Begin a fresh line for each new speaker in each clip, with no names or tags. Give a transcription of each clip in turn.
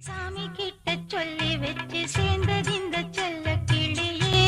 சாமி கிட்ட சொல்லி வச்சு சேர்ந்தது இந்த செல்ல கிளியே.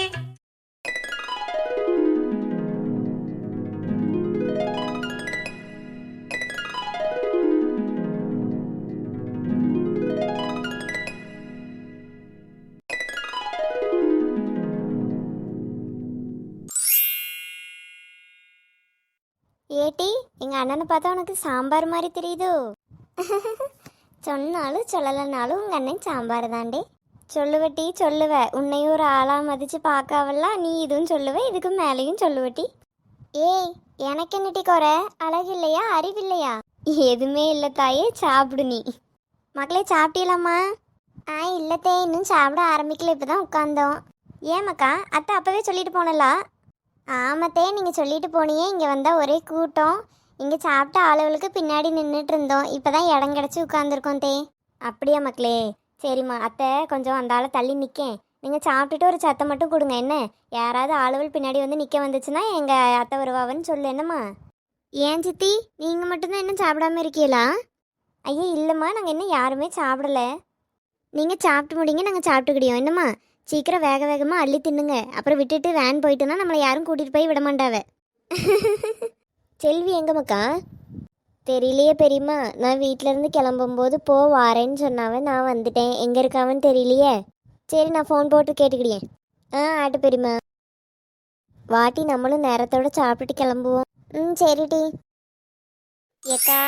ஏட்டி, எங்க அண்ணனை பார்த்தா உனக்கு சாம்பார் மாதிரி தெரியுதோ? சொன்னாலும் சொல்லலைனாலும் உங்க அண்ணன் சாம்பார் தாண்டே. சொல்லுவட்டி சொல்லுவ, உன்னையும் ஒரு ஆளா மதிச்சு பார்க்காவல்லாம் நீ இதுவும் சொல்லுவ, இதுக்கு மேலேயும் சொல்லுவட்டி. ஏய், எனக்கு என்னட்டி குறை? அழகு இல்லையா, அறிவில்லையா? எதுவுமே இல்லை தாயே, சாப்பிடு நீ. மக்களே சாப்பிட்டீங்களாம்மா? இல்லத்தே, இன்னும் சாப்பிட ஆரம்பிக்கல, இப்போதான் உட்காந்தோம். ஏமாக்கா, அத்தை அப்பவே சொல்லிட்டு போனலா? ஆமத்தே, நீங்கள் சொல்லிட்டு போனியே, இங்கே வந்தால் ஒரே கூட்டம். இங்கே சாப்பிட்ட ஆளுகளுக்கு பின்னாடி நின்றுட்டு இருந்தோம், இப்போ தான் இடம் கிடச்சி உட்காந்துருக்கோம் தே. அப்படியா மக்களே? சரிம்மா, அத்தை கொஞ்சம் அந்த ஆளை தள்ளி நிற்கேன். நீங்கள் சாப்பிட்டுட்டு ஒரு சத்தம் மட்டும் கொடுங்க என்ன. யாராவது ஆளுகள் பின்னாடி வந்து நிற்க வந்துச்சுன்னா எங்கள் அத்தை வருவாவன்னு சொல்லு என்னம்மா. ஏன் சித்தி, நீங்கள் மட்டும்தான் இன்னும் சாப்பிடாம இருக்கீங்களா? ஐயோ இல்லைம்மா, நாங்கள் இன்னும் யாருமே சாப்பிடல. நீங்கள் சாப்பிட்டு முடிங்க, நாங்கள் சாப்பிட்டுக்கிடியோம் என்னம்மா. சீக்கிரம் வேக வேகமாக அள்ளி தின்னுங்க, அப்புறம் விட்டுட்டு வேன் போயிட்டுனா நம்மளை யாரும் கூட்டிகிட்டு போய் விட மாட்டாவ. செல்வி எங்க மக்கா? தெரியலையே பெரியம்மா, நான் வீட்டிலேருந்து கிளம்பும்போது வாரேன்னு சொன்னாவன், நான் வந்துட்டேன். எங்கே இருக்காவன்னு தெரியலையே. சரி, நான் ஃபோன் போட்டு கேட்டுக்கிடியேன். ஆட்டு பெரியம்மா. வாட்டி, நம்மளும் நேரத்தோடு சாப்பிட்டுட்டு கிளம்புவோம். சரிட்டி. ஏக்கா,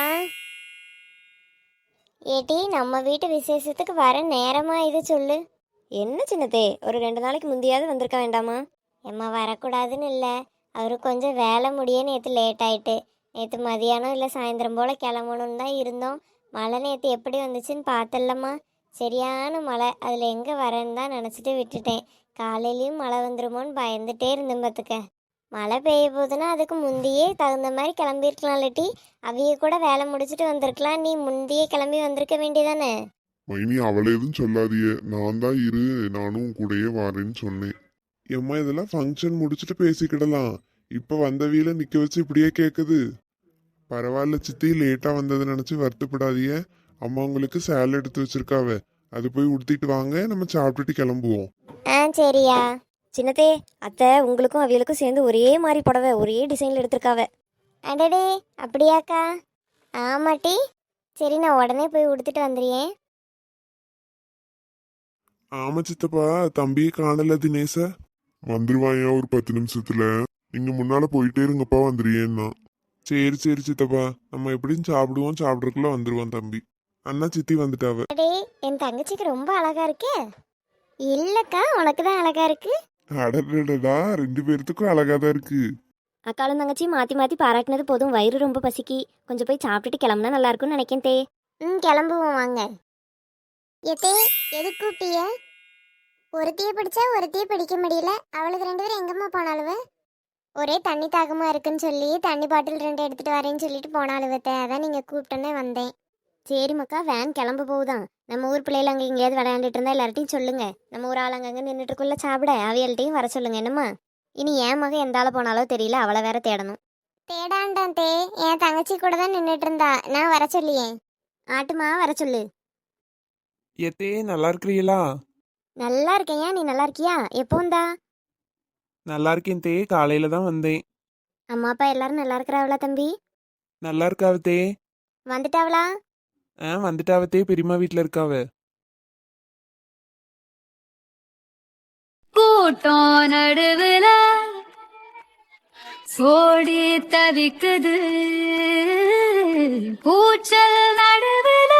ஏட்டி நம்ம வீட்டு விசேஷத்துக்கு வர நேரமா இது சொல்லு. என்ன சின்னதே, ஒரு 2 நாளைக்கு முந்தையாவது வந்திருக்க வேண்டாமா? எம்மா வரக்கூடாதுன்னு இல்லை, அவரு கொஞ்சம் வேலை முடிய நேற்று லேட் ஆயிட்டு. நேற்று மதியானம் இல்லை சாயந்தரம் போல் கிளம்பணுன்னு தான் இருந்தோம். மழை நேற்று எப்படி வந்துச்சுன்னு பார்த்தல்லம்மா. சரியான மழை, அதில் எங்கே வரேன்னு தான் நினச்சிட்டு விட்டுட்டேன். காலையிலையும் மழை வந்துருமோன்னு பயந்துட்டே இருந்தேன் பார்த்துக்க. மழை பெய்ய போகுதுன்னா அதுக்கு முந்தையே தகுந்த மாதிரி கிளம்பியிருக்கலாம் இல்லாட்டி அவைய கூட வேலை முடிச்சுட்டு வந்திருக்கலாம். நீ முந்தையே கிளம்பி வந்திருக்க வேண்டியதானே.
மைனி, அவளை எதுவும் சொல்லாதிய, நான் தான் இரு, நானும் கூடயே வாரேன்னு சொன்னேன். எம்மா, இதெல்லாம் ஃபங்க்ஷன் முடிச்சுட்டு பேசிக்கிடலாம். இப்ப வந்த வீல நிக்க வச்சு இப்படியே கேக்குது. பரவாயில்ல சித்தி, லேட்டா வந்ததை நினைச்சு வருத்தப்படாதிய. அம்மா உங்களுக்கு சேலை எடுத்து வச்சிருக்காவ, அது போய் உடுத்திட்டு வாங்க, நம்ம சாப்பிட்டுட்டு கிளம்புவோம்.
சரியா. சின்னதே, அத்தை உங்களுக்கும் அவியலுக்கும் சேர்ந்து ஒரே மாதிரி புடவை ஒரே டிசைனில் எடுத்திருக்காவ. அடடே, அப்படியாக்கா? ஆமாட்டி. சரி, நான் உடனே போய் உடுத்துட்டு வந்துடுறேன்.
ஆமா சித்தப்பா, தம்பியை காணல தினேச. வந்துருவாயா ஒரு 10 நிமிஷத்துல. நீங்க முன்னால போயிட்டே இருங்கப்பா, வந்துருயேன்னா. சரி சரி சித்தப்பா, நம்ம எப்படியும் சாப்பிடுவோம், சாப்பிட்றதுக்குள்ள வந்துருவான் தம்பி. அண்ணா சித்தி வந்துட்டாவ.
அடே, என் தங்கச்சிக்கு ரொம்ப அழகா இருக்கே. இல்லக்கா, உனக்கு தான் அழகா இருக்கு.
அடடடா, 2 பேர்த்துக்கும் அழகாதான் இருக்கு.
அக்காலும் தங்கச்சி மாற்றி மாற்றி பாராட்டினது போதும், வயிறு ரொம்ப பசிக்கி. கொஞ்சம் போய் சாப்பிட்டுட்டு கிளம்புனா நல்லா இருக்கும்னு நினைக்கேன் தே. கிளம்புவோம் வாங்க. எதே, எது கூப்பிட்டிய? ஒருத்திய பிடிச்சா ஒருத்திய பிடிக்க முடியல. அவளுக்கு 2 பேரும் எங்கம்மா போனாலுவ? ஒரே தண்ணி தாகமா இருக்குன்னு சொல்லி தண்ணி பாட்டில் 2 எடுத்துட்டு வரேன்னு சொல்லிட்டு போனாலுவத்த. அதான் நீங்கள் கூப்பிட்டோன்னே வந்தேன். சரி மக்கா, வேன் கிளம்ப போகுதான். நம்ம ஊர் பிள்ளைகள் அங்கே எங்கேயாவது விளையாண்டுட்டு இருந்தா எல்லார்ட்டையும் சொல்லுங்க. நம்ம ஊர் ஆள் அங்கங்கே நின்றுட்டுக்குள்ள சாப்பிட அவியல்ட்டையும் வர சொல்லுங்க என்னம்மா. இனி என் மக எந்த ஆள போனாலோ தெரியல, அவளை வேற தேடணும். தேடாண்டான் தே, என் தங்கச்சி கூட தான் நின்றுட்டு இருந்தா, நான் வர சொல்லியே. ஆட்டுமா, வர சொல்லு.
ஏத்தே, நல்லா இருக்கிறீங்களா?
நல்லா இருக்கேன், நீ நல்லா இருக்கியா? எப்போ வந்தா?
நல்லா இருக்கேன் தே, காலையில தான் வந்தேன்.
அம்மா அப்பா எல்லாரும் நல்லா இருக்கிறாவளா தம்பி?
நல்லா இருக்காவத்தே.
வந்துட்டாவளா?
வந்துட்டாவத்தே, பெரியம்மா வீட்டில் இருக்காவ.
கூட்டம் நடுவுல ஓடி தவிக்குது, கூச்சல் நடுவுல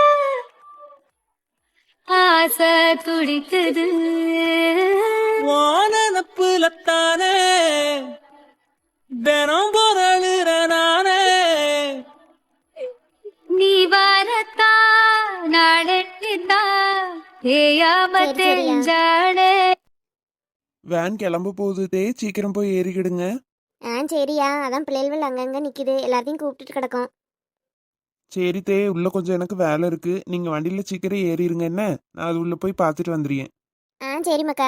ஆசை துடிக்குது.
வானப்புலத்தானே தினம் பொருளுற நானே.
நீ வரத்தா நடத்தித்தா ஏயாம தெரிஞ்சாடே.
வேன் கிளம்ப போகுது தே, சீக்கிரம் போய் ஏறிக்கிடுங்க.
சரியா, அதான் பிள்ளைகள் அங்கங்கே நிற்கிது, எல்லாத்தையும் கூப்பிட்டுட்டு கிடக்கும்.
சரி தே, உள்ள கொஞ்சம் எனக்கு வேலை இருக்கு. நீங்க வண்டியில சீக்கிரம் ஏறிடுங்க என்ன, நான் அது உள்ள போய் பார்த்துட்டு வந்துடுறேன்.
சரி மக்கா.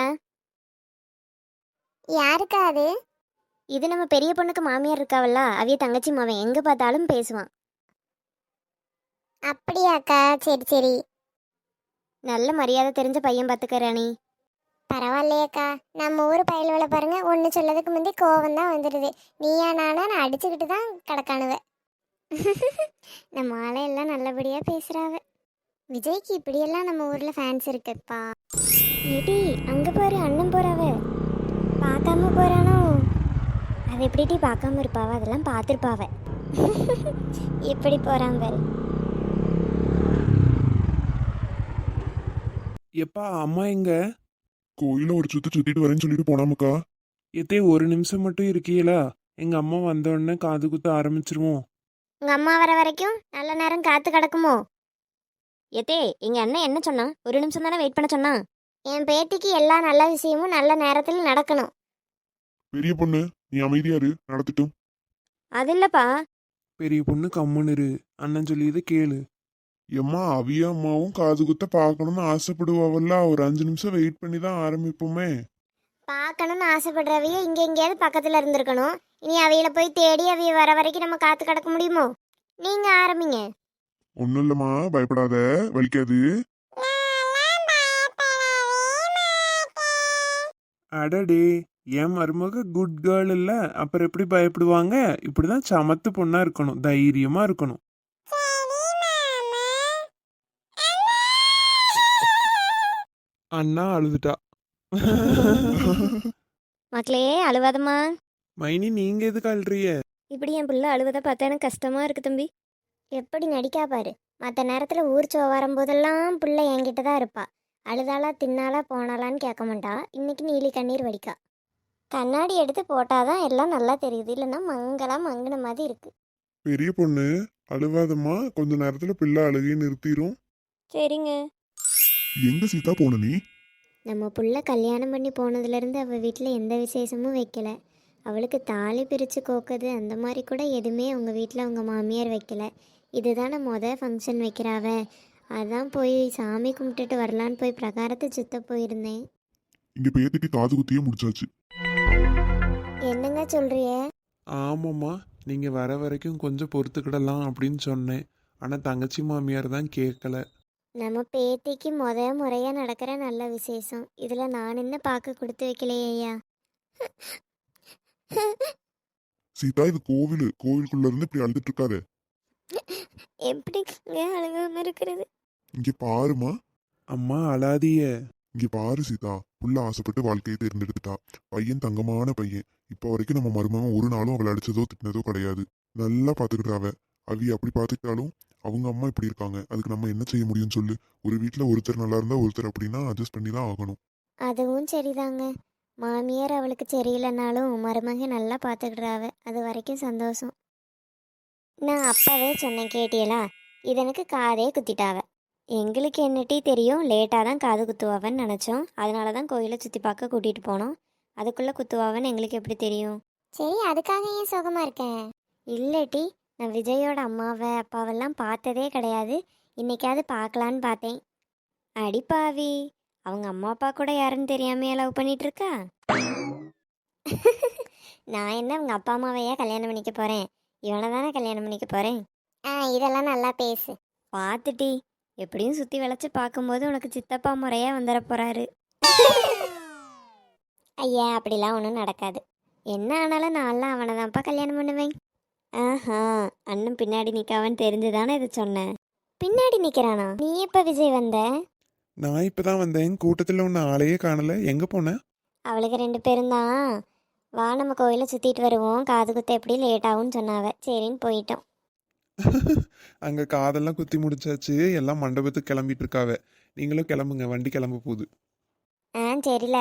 யாருக்கா அது? இது நம்ம பெரிய பொண்ணுக்கு மாமியார் இருக்காவல்ல, அவிய தங்கச்சி மாவன், எங்கே பார்த்தாலும் பேசுவான். அப்படியாக்கா? சரி சரி. நல்ல மரியாதை தெரிஞ்ச பையன் பார்த்துக்கறானி. பரவாயில்லையக்கா, நம்ம ஊர் பயல்களை பாருங்க, ஒன்று சொல்லதுக்கு முந்தி கோவம் தான் வந்துடுது. நீயா நானா நான் அடிச்சுக்கிட்டு தான் கிடக்கானுவ. நம்ம ஆளையெல்லாம் நல்லபடியா பேசுறாவ. விஜய்க்கு இப்படியெல்லாம் நம்ம ஊர்ல ஃபேன்ஸ் இருக்குப்பா. ஏடி அங்க பாரு, அண்ணன் போறாவ. பார்க்காம போறானோ? அதை எப்படிடி பார்க்காம இருப்பாவ? அதெல்லாம் பார்த்துருப்பாவ. எப்படி போறான் பாரு.
எப்பா அம்மா எங்க?
கோயில ஒரு சுத்திட்டு வரேன்னு சொல்லிட்டு போனாமுக்கா.
எத்தே ஒரு நிமிஷம் மட்டும் இருக்கீங்களா? எங்க அம்மா வந்த உடனே காது குத்த ஆரம்பிச்சிருவோம்.
உங்க அம்மா வர வரைக்கும் நல்ல நேரம் காத்து கிடக்குமோ? ஏத்தே, எங்க அண்ணன் என்ன சொன்னா? ஒரு நிமிஷம் தானே வெயிட் பண்ண சொன்னா. என் பேத்திக்கு எல்லா நல்ல விஷயமும் நல்ல நேரத்தில் நடக்கணும்.
பெரிய பொண்ணு நீ அமைதியா இரு, நடத்திட்டும்.
அது இல்லப்பா.
பெரிய பொண்ணு கம்முன்னு இரு. அண்ணன் சொல்லியதை கேளு.
எம்மா அவிய அம்மாவும் காது குத்த பார்க்கணும்னு ஆசைப்படுவாவல்ல, ஒரு 5 நிமிஷம் வெயிட் பண்ணி தான் ஆரம்பிப்போமே.
பார்க்கணும்னு ஆசைப்படுறவைய இங்க எங்கேயாவது பக்கத்துல இருந்திருக்கணும். இனி அவையில போய் தேடி அவைய வர வரைக்கும் நம்ம காத்து கிடக்க முடியுமோ? நீங்க ஆரம்பிங்க.
ஒன்னும் இல்லம்மா, பயப்படாத, வலிக்காது.
அடடே, என் மருமக குட் கேர்ள் இல்ல, அப்புறம் எப்படி பயப்படுவாங்க? இப்படிதான் சமத்து பொண்ணா இருக்கணும், தைரியமா இருக்கணும். அண்ணா அழுதுட்டா.
மக்களே அழுவாதம்மா.
மைனி நீங்க எதுக்கு அழுறிய?
இப்படி என் பிள்ளை அழுவதை பார்த்தா எனக்கு கஷ்டமா இருக்கு தம்பி. எப்படி நடிக்கா பாரு. மற்ற நேரத்தில் ஊர் சோ வரும்போதெல்லாம் பிள்ளை என்கிட்ட தான் இருப்பா. அழுதாளா தின்னாலா போனாலான்னு கேட்க மாட்டா. இன்னைக்கு நீலி கண்ணீர் வடிக்கா. கண்ணாடி எடுத்து போட்டாதான் எல்லாம் நல்லா தெரியுது, இல்லைன்னா மங்கலா மங்கின மாதிரி இருக்கு.
பெரிய பொண்ணு அழுவாதம்மா, கொஞ்ச நேரத்துல பிள்ளை அழுகையை நிறுத்திரும்.
சரிங்க.
எங்க சீதா போன நீ?
நம்ம புள்ள கல்யாணம் பண்ணி போனதுலேருந்து அவள் வீட்டில் எந்த விசேஷமும் வைக்கல. அவளுக்கு தாலி பிரித்து கோக்குது அந்த மாதிரி கூட எதுவுமே அவங்க வீட்டில் அவங்க மாமியார் வைக்கல. இதுதானே ஃபங்க்ஷன் வைக்கிறாவ. அதான் போய் சாமி கும்பிட்டுட்டு வரலான்னு போய் பிரகாரத்தை சுத்த போயிருந்தேன்.
இங்க பேத்திட்டு காது குத்தியே முடிச்சாச்சு.
என்னங்க சொல்றிய?
ஆமாம்மா, நீங்க வர வரைக்கும் கொஞ்சம் பொறுத்துக்கிடலாம் அப்படின்னு சொன்னேன். ஆனா தங்கச்சி மாமியார் தான் கேட்கல.
நம்ம பேத்திக்கு முறையாக நடக்கிற நல்ல விசேஷம். இதில் நான் என்ன பார்க்க கொடுத்து வைக்கலையா?
சீதா இது கோவிலுக்குள்ள இருந்து இப்படி அழுதுட்டு இருக்காரு.
எப்படிங்க அழுகாம இருக்கிறது?
இங்க பாருமா.
அம்மா அழாதிய.
இங்க பாரு சீதா, புள்ள ஆசைப்பட்டு வாழ்க்கையை தேர்ந்தெடுத்துட்டா. பையன் தங்கமான பையன். இப்ப வரைக்கும் நம்ம மருமகன் ஒரு நாளும் அவளை அடிச்சதோ திட்டினதோ கிடையாது. நல்லா பாத்துக்கிட்டாவ. அவிய அப்படி பாத்துக்கிட்டாலும் அவங்க அம்மா இப்படி இருக்காங்க. அதுக்கு நம்ம என்ன செய்ய முடியும்னு சொல்லு. ஒரு வீட்டுல ஒருத்தர் நல்லா இருந்தா ஒருத்தர் அப்படின்னா அட்ஜஸ்ட் பண்ணி தான் ஆகணும்.
அதுவும் சரிதாங்க. மாமியார் அவளுக்கு சரியில்லைனாலும் மருமக நல்லா பார்த்துக்கிடுறாவ. அது வரைக்கும் சந்தோஷம். நான் அப்பவே சொன்னேன், கேட்டியலா? இது எனக்கு காதே குத்திட்டாவ. எங்களுக்கு என்னட்டி தெரியும், லேட்டாக தான் காது குத்துவாவன்னு நினச்சோம். அதனால தான் கோயிலை சுற்றி பார்க்க கூட்டிகிட்டு போனோம். அதுக்குள்ளே குத்துவாவன்னு எங்களுக்கு எப்படி தெரியும்? சரி, அதுக்காக ஏன் சோகமாக இருக்கேன்? இல்லட்டி, நான் விஜயோட அம்மாவை அப்பாவெல்லாம் பார்த்ததே கிடையாது. இன்னைக்காவது பார்க்கலான்னு பார்த்தேன். அடிப்பாவி, அவங்க அம்மா அப்பா கூட யாருன்னு தெரியாமையா லவ் பண்ணிட்டு இருக்கா? நான் என்ன அவங்க அப்பா அம்மாவையா கல்யாணம் பண்ணிக்க போகிறேன்? இவனை தானே கல்யாணம் பண்ணிக்க போகிறேன். இதெல்லாம் நல்லா பேசு. பார்த்துட்டி, எப்படியும் சுற்றி விளைச்சி பார்க்கும்போது உனக்கு சித்தப்பா முறையாக வந்துட போகிறாரு. ஐயா, அப்படிலாம் ஒன்றும் நடக்காது. என்ன ஆனாலும் நான்லாம் அவனை தான்ப்பா கல்யாணம் பண்ணுவேன். ஆஹா, அண்ணன் பின்னாடி நிற்காவன்னு தெரிஞ்சு தானே இதை சொன்னேன். பின்னாடி நிற்கிறானா? நீ எப்போ விஜய் வந்த?
நான் இப்பதான் வந்தேன். கூட்டத்தில் ஒன்று ஆளையே காணல. எங்க போன?
அவளுக்கு 2 பேரும் தான். வா நம்ம கோயிலை சுற்றிட்டு வருவோம், காது குத்த எப்படி லேட் ஆகும்னு சொன்னாவ. சரின்னு போயிட்டோம்.
அங்க காதெல்லாம் குத்தி முடிச்சாச்சு. எல்லாம் மண்டபத்துக்கு கிளம்பிட்டு இருக்காவ. நீங்களும் கிளம்புங்க, வண்டி கிளம்ப போகுது.
சரில.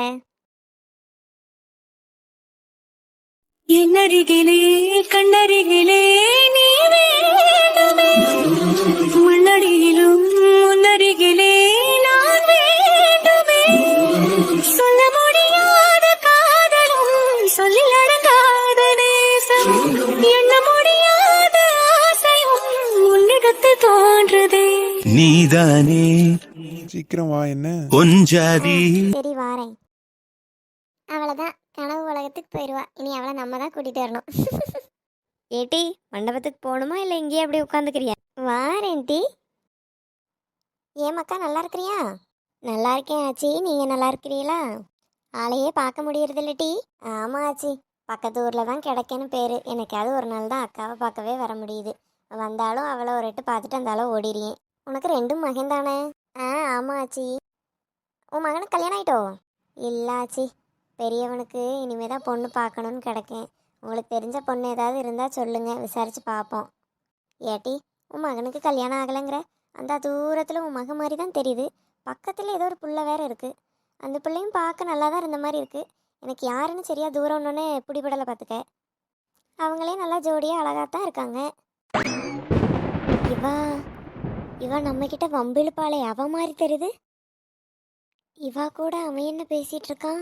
என்னருகிலே கண்ணருகிலே நீ வேண்டுமே, மண்ணடியிலும் முன்னருகிலே நான் வேண்டுமே. சொல்ல முடியாத காதலும் சொல்லி அடங்காத நேசம், எண்ண முடியாத ஆசையும் உன்னிடத்து தோன்றுதே.
நீதானே
சீக்கிரம் வா. என்ன
பொஞ்சாதி.
சரி வாரேன். அவ்வளோதான், கனவு உலகத்துக்கு போயிடுவா. இனி அவளை நம்ம தான் கூட்டிகிட்டு வரணும். ஏட்டி, மண்டபத்துக்கு போகணுமா இல்லை இங்கேயே அப்படியே உட்காந்துக்கிறியா? வாரேன் டி. ஏன் மக்கா, நல்லா இருக்கிறியா? நல்லா இருக்கேன் ஆச்சி, நீங்கள் நல்லா இருக்கிறீங்களா? ஆளையே பார்க்க முடியறதில்ல டி. ஆமாம் ஆச்சி, பக்கத்து ஊரில் தான் கிடைக்கேன்னு பேர். எனக்காவது ஒரு நாள் தான் அக்காவை பார்க்கவே வர முடியுது. வந்தாலும் அவளை ஒரு எட்டு பார்த்துட்டு அந்தாலும் ஓடிடுறேன். உனக்கு ரெண்டும் மகன் தானே? ஆ ஆமாம் ஆச்சி. உன் மகனுக்கு கல்யாணம் ஆயிட்டோ? இல்லை ஆச்சி, பெரியவனுக்கு இனிமே தான் பொண்ணு பார்க்கணுன்னு கிடக்கேன். உங்களுக்கு தெரிஞ்ச பொண்ணு ஏதாவது இருந்தால் சொல்லுங்கள், விசாரித்து பார்ப்போம். ஏட்டி, உன் மகனுக்கு கல்யாணம் ஆகலைங்கிற? அந்த தூரத்தில் உன் மகன் மாதிரி தான் தெரியுது. பக்கத்தில் ஏதோ ஒரு புள்ள வேற இருக்குது. அந்த பிள்ளையும் பார்க்க நல்லா தான் இருந்த மாதிரி இருக்குது. எனக்கு யாருன்னு சரியா தூரம் ஒன்றுன்னு பிடிபடலை பார்த்துக்க. அவங்களே நல்லா ஜோடியாக அழகாக தான் இருக்காங்க. இவா இவா நம்மக்கிட்ட வம்பிழுப்பாளே, அவ மாதிரி தெரியுது. இவா கூட அவன் என்ன பேசிகிட்டு இருக்கான்?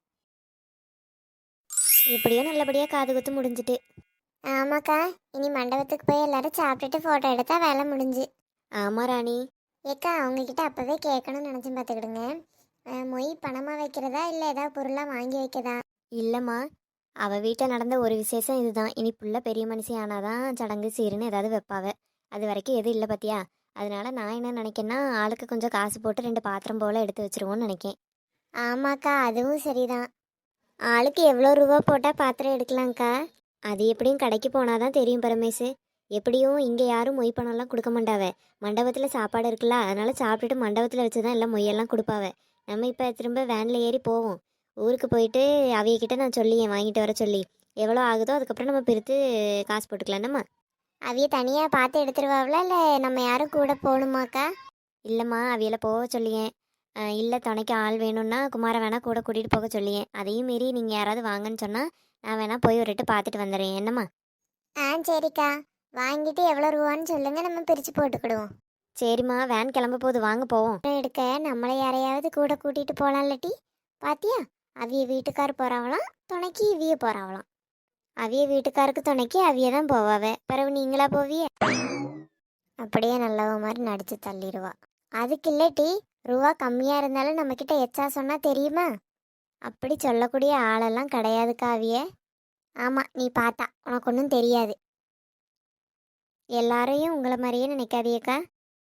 இப்படியோ நல்லபடியாக காது குத்து முடிஞ்சிட்டு. ஆமாக்கா, இனி மண்டபத்துக்கு போய் எல்லாரும் சாப்பிட்டுட்டு ஃபோட்டோ எடுத்தா வேலை முடிஞ்சு. ஆமாம் ராணி. ஏக்கா, அவங்கக்கிட்ட அப்போவே கேட்கணும்னு நினச்சி பார்த்துக்கிடுங்க. மொய் பணமாக வைக்கிறதா இல்லை ஏதாவது பொருளாக வாங்கி வைக்கதா? இல்லைம்மா, அவள் வீட்டில் நடந்த ஒரு விசேஷம் இதுதான். இனி புள்ள பெரிய மனுஷி ஆனாதான் சடங்கு சீருன்னு ஏதாவது வைப்பாவ. அது வரைக்கும் எதுவும் இல்லை பார்த்தியா? அதனால நான் என்ன நினைக்கேன்னா, ஆளுக்கு கொஞ்சம் காசு போட்டு 2 பாத்திரம் போல் எடுத்து வச்சிருவோன்னு நினைக்கேன். ஆமாக்கா, அதுவும் சரிதான். ஆளுக்கு எவ்வளோ ரூபா போட்டால் பாத்திரம் எடுக்கலாங்க்கா? அது எப்படியும் கடைக்கு போனால் தான் தெரியும் பரமேசு. எப்படியும் இங்கே யாரும் மொய் பணம்லாம் கொடுக்க மாட்டாவ. மண்டபத்தில் சாப்பாடு இருக்குல்ல, அதனால சாப்பிட்டுட்டு மண்டபத்தில் வச்சு தான் எல்லாம் மொய்யெல்லாம் கொடுப்பாவ. நம்ம இப்போ திரும்ப வேனில் ஏறி போவோம். ஊருக்கு போயிட்டு அவியக்கிட்ட நான் சொல்லியேன் வாங்கிட்டு வர சொல்லி. எவ்வளோ ஆகுதோ அதுக்கப்புறம் நம்ம பிரித்து காசு போட்டுக்கலாம். நம்ம அவிய தனியாக பார்த்து எடுத்துருவாங்களா இல்லை நம்ம யாரும் கூட போகணுமாக்கா? இல்லைம்மா, அவியலை போக சொல்லியேன். இல்லை துணைக்கு ஆள் வேணும்னா குமார வேணா கூட கூட்டிகிட்டு போக சொல்லியேன். அதையும் மீறி நீங்கள் யாராவது வாங்கன்னு சொன்னால் நான் வேணா போய் ஒரு எட்டு பார்த்துட்டு வந்துடுறேன். என்னம்மா? சரிக்கா, வாங்கிட்டு எவ்வளோ ரூபான்னு சொல்லுங்கள், நம்ம பிரித்து போட்டுக்கிடுவோம். சரிம்மா, வேன் கிளம்ப போகுது, வாங்க போவோம். எடுக்க நம்மளை யாரையாவது கூட கூட்டிகிட்டு போகலாம் இல்லாட்டி? பாத்தியா, அவிய வீட்டுக்கார் போகிறாங்களாம், துணைக்கு இவிய போகிறாங்களாம். அவிய வீட்டுக்காருக்கு துணைக்கு அவிய தான் போவாவே, பிறகு நீங்களா போவிய? அப்படியே நல்லவ மாதிரி நடிச்சு தள்ளிடுவா. அதுக்கு இல்லாட்டி ரூபா கம்மியாக இருந்தாலும் நம்மக்கிட்ட எச்சா சொன்னால் தெரியுமா? அப்படி சொல்லக்கூடிய ஆளெல்லாம் கிடையாதுக்கா அவிய. ஆமாம், நீ பார்த்தா உனக்கு ஒன்றும் தெரியாது. எல்லாரையும் உங்களை மாதிரியே நினைக்காதியக்கா.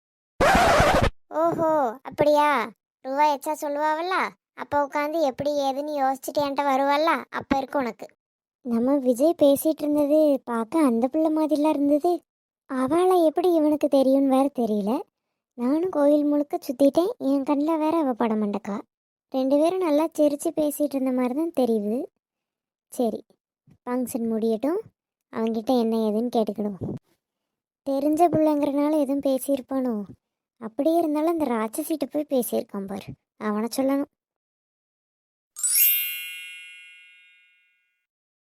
ஓஹோ, அப்படியா? ரூபா எச்சா சொல்லுவாவல்ல, அப்போ உட்காந்து எப்படி ஏதுன்னு யோசிச்சுட்டு என்கிட்ட வருவாள்ல, அப்போ இருக்கு உனக்கு. நம்ம விஜய் பேசிகிட்டு இருந்தது பார்க்க அந்த பிள்ளை மாதிரிலாம் இருந்தது. அவளை எப்படி இவனுக்கு தெரியும்னு வேற தெரியல. நானும் கோயில் முழுக்க சுற்றிட்டேன், என் கண்ணில் வேற அவள் பட மாட்டக்கா. 2 பேரும் நல்லா சிரித்து பேசிகிட்டு இருந்த மாதிரி தான் தெரியுது. சரி, ஃபங்க்ஷன் முடியட்டும், அவங்கிட்ட என்ன ஏதுன்னு கேட்டுக்கிடுவோம். தெரிஞ்ச பிள்ளைங்கிறனால எதுவும் பேசியிருப்பானோ? அப்படியே இருந்தாலும் அந்த ராட்சசிட்ட போய் பேசியிருக்கான் பாரு, அவனை சொல்லணும்.